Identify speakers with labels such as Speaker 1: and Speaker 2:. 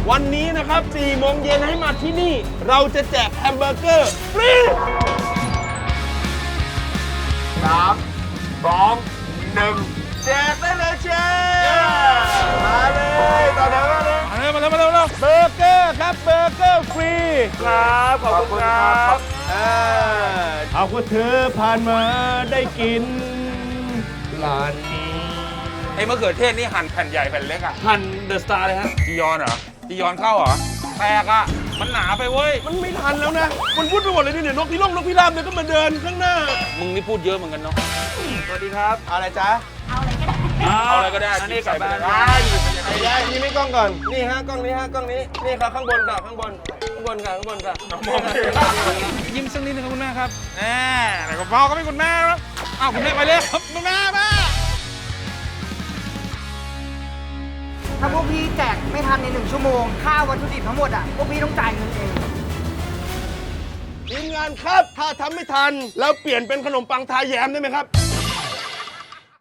Speaker 1: วันนี้นะครับ4 โมงเย็นให้มาที่นี่ เราจะแจกแฮมเบอร์เกอร์ฟรี3 2 1แจกได้เลยเชฟมาเลยต่อแถวมาเลยมาเร็วเบอร์เกอร์ครับเบอร์เกอร์ฟรีครับขอบคุณครับเอาคุณเธอผ่านมาได้กินร้านนี้
Speaker 2: ไอ้มะเขือเทศนี่หั่นแผ่นใหญ่แผ่นเล็กอ่ะ
Speaker 1: หั่นเดอะสตาร์เลยฮะ
Speaker 2: จียอนเหรอจียอนเข้าเหรอแตกอ่ะมันหนาไปเว้ย
Speaker 1: มันไม่ทันแล้วนะมันพูดไปหมดเลยเนี่ยนกพิราบเนี่ยก็มาเดินข้างหน้า
Speaker 2: มึงนี่พูดเยอะเหมือนกันเนาะ
Speaker 1: สวัสดีครับอะไรจ๊ะ
Speaker 2: เอาอะไรก็ได้
Speaker 1: อันนี้
Speaker 2: ใส่ไปเลย
Speaker 1: ไอ้ยายยิ้มให้กล้องก่อนนี่ฮะกล้องนี้ฮะกล้องนี้นี่ครับข้างบนค่ะข้างบนค่ะมอง
Speaker 2: ยิ้มสักนิดนึงครับคุณแม่ครับแหมแต่ก็พ่อก็ไม่คุณแม่แล้วอ้าวคุณแม่ไปเลยครับคุณแม่
Speaker 3: ถ้าพวกพี่แจกไม่ทันใน1 ชั่วโมงค่าวัตถุดิบทั้งหมดอ่ะพวกพี่ต้องจ่ายเงินเอง
Speaker 1: ทีมงานครับถ้าทำไม่ทันแล้วเปลี่ยนเป็นขนมปังทาแยมได้ไหมครับ